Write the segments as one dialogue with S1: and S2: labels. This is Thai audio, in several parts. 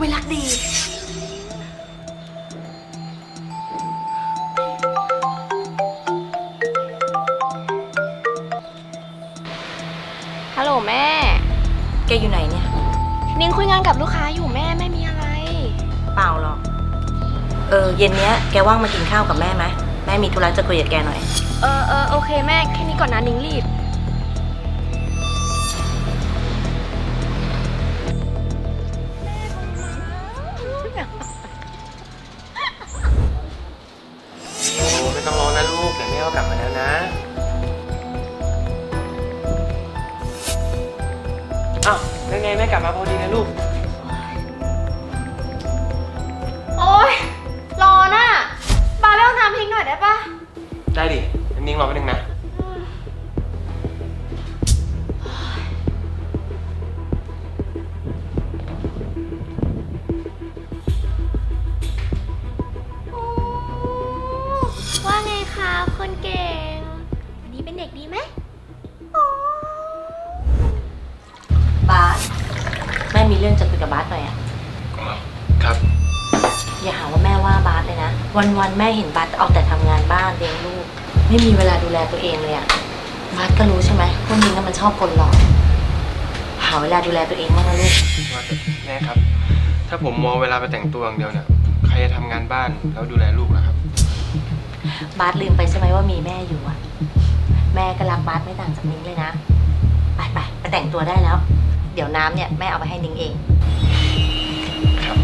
S1: ไม่รักดีฮัลโหลแม่
S2: แกอยู่ไหนเนี่ย
S1: นิ้งคุยงานกับลูกค้าอยู่แม่ไม่มีอะไร
S2: เปล่าหรอกเย็นเนี้ยแกว่างมากินข้าวกับแม่ไหมแม่มีธุระจะคุยกับแกหน่อย
S1: โอเคแม่แค่นี้ก่อนนะนิ้งรีบ
S3: โอ้ไม่ต้องรอนะลูกเดี๋ยวแม่ก็กลับมาแล้วนะอ้าวแล้วไงแม่กลับมาพอดีนะลูก
S1: โอ๊ยรอน่ะปาไปเอาน้ำทิ้งหน่อยได้ปะ
S3: ได้ดินิ่งรอแป๊บนึงนะ
S1: ว่าไงคะคนเก่งวันนี้เป็นเด็กดีไหม
S2: บาสแม่มีเรื่องจะคุยกับบาสหน่อยอะ
S3: ครับ
S2: อย่าหาว่าแม่ว่าบาสเลยนะวันแม่เห็นบาสเอาแต่ทำงานบ้านเลี้ยงลูกไม่มีเวลาดูแลตัวเองเลยอะบาสก็รู้ใช่ไหมพวกนี้มันชอบคนหลอกหาเวลาดูแลตัวเองบ้างนะลูก
S3: ว่าแต่แม่ครับถ้าผมมองเวลาไปแต่งตัวอย่างเดียวเนี่ยใครจะทำงานบ้านแล้วดูแลลูกล่ะครับ
S2: บาสลืมไปใช่ไหมว่ามีแม่อยู่อะแม่ก็รักบาสไม่ต่างจากนิ้งเลยนะไปแต่งตัวได้แล้วเดี๋ยวน้ำเนี่ยแม่เอาไปให้นิ้งเอง
S3: ครับ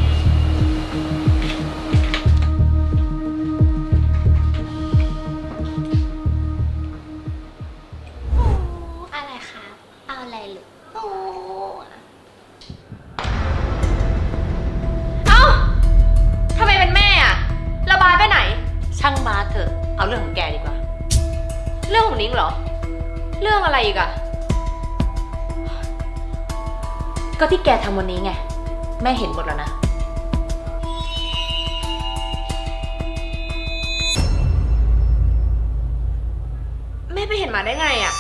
S1: อะไรคะเอาอะไรหรือโอ้เอ้าทำไมเป็นแม่อะแล้วบาสไปไหน
S2: ช่างบาสเถอะเอาเรื่องของแกดีกว่า
S1: เรื่องของนิ้งเหรอเรื่องอะไรอีกอะ
S2: ก็ที่แกทำวันนี้ไงแม่เห็นหมดแล้วนะ
S1: แม่ไปเห็นมาได้ไงอะ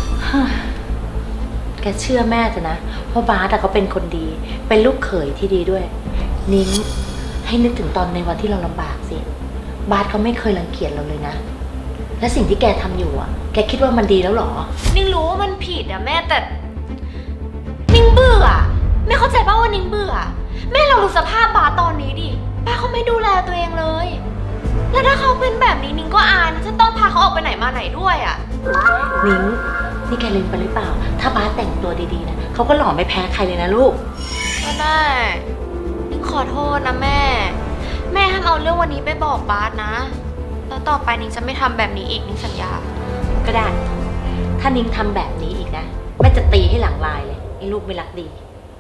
S2: แกเชื่อแม่เถอะนะเพราะบาสเขาเป็นคนดีเป็นลูกเขยที่ดีด้วยนิ้งให้นึกถึงตอนในวันที่เราลำบากสิบาสเขาไม่เคยรังเกียจเราเลยนะและสิ่งที่แกทำอยู่อ่ะแกคิดว่ามันดีแล้วหรอ
S1: นิ้งรู้ว่ามันผิดอะแม่แต่นิ้งเบื่อแม่เข้าใจป่ะว่านิ้งเบื่อแม่เราดูสภาพบาสตอนนี้ดิป้าเขาไม่ดูแลตัวเองเลยแล้วถ้าเขาเป็นแบบนี้นิ้งก็อายจะต้องพาเขาออกไปไหนมาไหนด้วยอะ
S2: นิ้งนี่แกลืมไปหรือเปล่าถ้าบาสแต่งตัวดีๆนะเขาก็หล่อไม่แพ้ใครเลยนะลูก
S1: ก็ได้นิ้งขอโทษนะแม่ห้ามเอาเรื่องวันนี้ไปบอกบาสนะแล้วต่อไปนิ้งจะไม่ทำแบบนี้อีกนิ้งสัญญา
S2: ก็ได้ถ้านิ้งทำแบบนี้อีกนะแม่จะตีให้หลังลายเลยไอ้ลูกไม่รักดี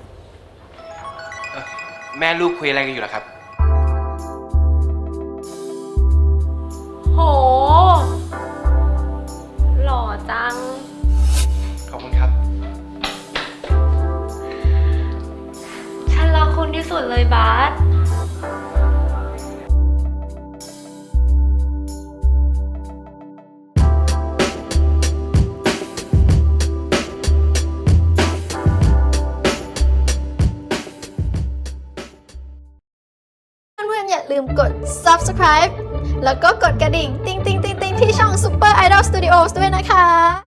S3: แม่ลูกคุยอะไรกันอยู่ล่ะครับ
S1: โหหล่อจัง
S3: ขอบคุณครับ
S1: ฉันรักคุณที่สุดเลยบาส
S4: อย่าลืมกด subscribe แล้วก็กดกระดิ่ง ติ๊งๆๆๆที่ช่อง Super Idol Studios ด้วยนะคะ